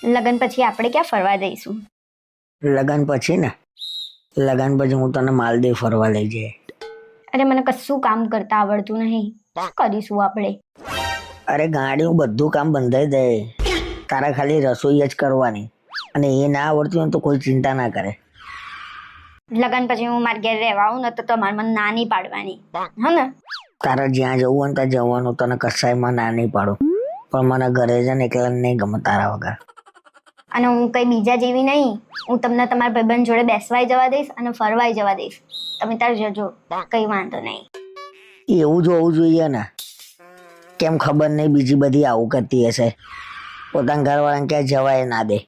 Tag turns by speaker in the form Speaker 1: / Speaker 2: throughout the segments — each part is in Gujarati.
Speaker 1: લગન પછી આપણે ક્યાં ફરવા જઈશું?
Speaker 2: લગન પછી ને લગન પછી હું તને માલદીવ ફરવા લઈ જઈએ.
Speaker 1: અરે મને કશું કામ કરતા આવડતું નહીં. શું કરીશું આપણે?
Speaker 2: અરે ગાડીનું બધું કામ બંધાઈ દે, તારા ખાલી રસોઈ જ કરવાની, અને એ ના આવડતું હોય તો કોઈ ચિંતા ના કરે.
Speaker 1: લગન પછી હું મારા ઘેર રહેવા આવું ને તો તમારે મને ના નહીં પાડવાની, હા ને?
Speaker 2: તારા જ્યાં જવું હોય ને ત્યાં જવાનું, તને કસાયમાં ના નહીં પાડું, પણ મને ઘરે જ ને એકલા નહીં ગમે તારા વગર.
Speaker 1: અને હું કઈ બીજા જેવી નહીં. હું તમને તમારા ભાઈબંધ જોડે બેસવાય જવા દઈશ અને ફરવાય જવા દઈશ. તમે તાર જજો, કઈ વાંધો નહીં.
Speaker 2: એવું જ હોવું જોઈએ ને. કેમ ખબર નહીં બીજી બધી આવું કરતી હશે, પોતાના ઘરવાળાને ક્યાં જવાય ના દે.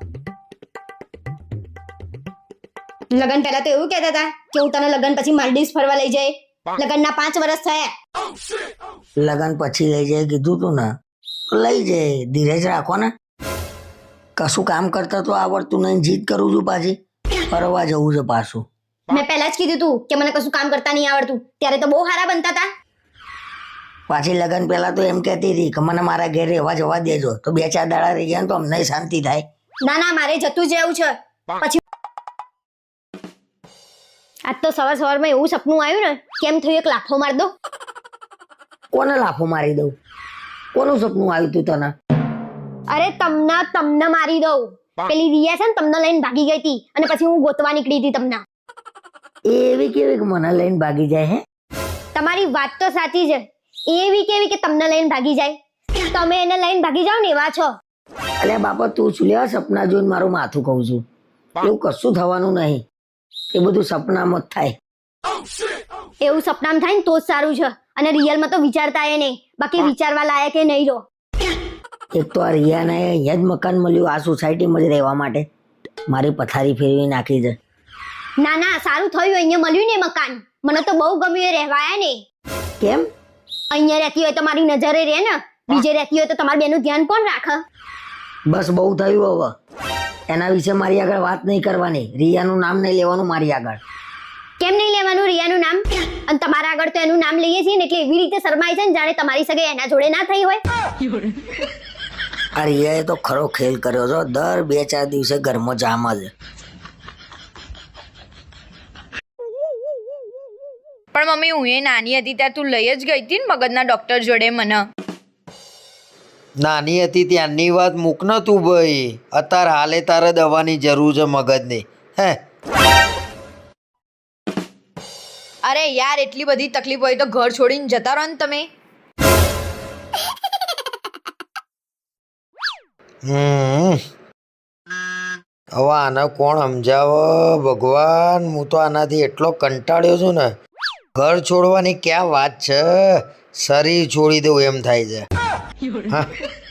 Speaker 1: લગન પહેલા તો એવું કહેતા હતા કે હું તને લગન પછી માલદીવ્સ ફરવા લઈ જાય. લગનના 5 વર્ષ થયા.
Speaker 2: લગન પછી લઈ જાય કીધું તું ને, લઈ જાય. ધીરજ રાખો ને. કશું કામ કરતા તો આવડતું નહીં, જીદ કરું છું પાછી. ફરવા જવું છે પાછું.
Speaker 1: મેં પહેલા જ કીધું તું કે મને કશું કામ કરતા નહીં આવડતું, ત્યારે તો બહુ સારા બનતા હતા.
Speaker 2: પાછી લગન પહેલા તો એમ કહેતી હતી કે મને મારા ઘેર રહેવા જવા દેજો, તો 2-4 દાડા રહી ગયા તો અમને શાંતિ થાય.
Speaker 1: ના ના, મારે જતું જ રહેવું છે. પછી આજ તો સવારમાં એવું સપનું આવ્યું ને, કેમ થયું એક લાફો માર દો.
Speaker 2: કોને લાફો મારી દઉં? કોનું સપનું આવ્યું તું તને?
Speaker 1: અરે તમને મારી દઉં. પેલી રિયા છે ને, તમને લઈને ભાગી ગઈ હતી અને પછી હું ગોતવા નીકળી હતી તમને.
Speaker 2: એવી કેવી કે મને લઈને ભાગી જાય? હે,
Speaker 1: તમારી વાત તો સાચી છે. એવી કેવી કે તમને લઈને ભાગી જાય? તમે એને લઈને ભાગી જાઓ ને એવા છો.
Speaker 2: અલ્યા બાપા, તું શું લેવા સપના જોઈને મારું માથું કહું છું? એવું કશું થવાનું નહીં, એ બધું સપનામાં જ થાય.
Speaker 1: એવું સપનામાં થાય ને તો જ સારું છે. અને રિયલમાં તો વિચારતા એ નહીં, બાકી વિચારવા લાયક એ નહીં રહો.
Speaker 2: એક તો આ રિયાને અહીંયા જ મકાન મળ્યું, આ સોસાયટીમાં જ રહેવા માટે. મારી પથારી ફેરવી નાખી છે.
Speaker 1: ના ના, સારું થયું અહીંયા મળ્યું ને મકાન. મને તો બહુ ગમ્યું એ રહેવાયા ને.
Speaker 2: કેમ?
Speaker 1: અહીંયા રહેતી હોય તો મારી નજરે રહે ને, બીજે રહેતી હોય તો તમારા બેનું ધ્યાન કોણ રાખે?
Speaker 2: બસ બહુ થયું હવે. એના વિશે મારી આગળ વાત નહીં કરવાની. રિયાનું નામ નહીં લેવાનું મારી આગળ.
Speaker 1: કેમ નહીં લેવાનું રિયાનું નામ? અને તમારા આગળ તો એનું નામ લઈએ છીએ ને, એટલે એવી રીતે શરમાય છે ને જાણે તમારી સગાઈ એના જોડે ના થઈ હોય.
Speaker 2: આ રિયાએ તો ખરો ખેલ કર્યો છે. દર 2-4 દિવસે ઘરમાં જામ જ.
Speaker 3: પણ મમ્મી, હું એ નાની હતી ત્યારે તું લઈ જ ગઈ હતી ને મગજના ડોક્ટર જોડે મને.
Speaker 4: નાની હતી ત્યાંની વાત મૂક ન તું ભાઈ. અત્યારે હાલે તારે દવાની જરૂર છે મગજની. હે,
Speaker 3: અરે યાર, એટલી બધી તકલીફ હોય તો ઘર છોડીને જતા રહો ને તમે.
Speaker 4: હવે આને કોણ સમજાવે ભગવાન? હું તો આનાથી એટલો કંટાળ્યો છું ને. ઘર છોડવાની ક્યાં વાત છે, શરીર છોડી દઉં એમ થાય છે. હા,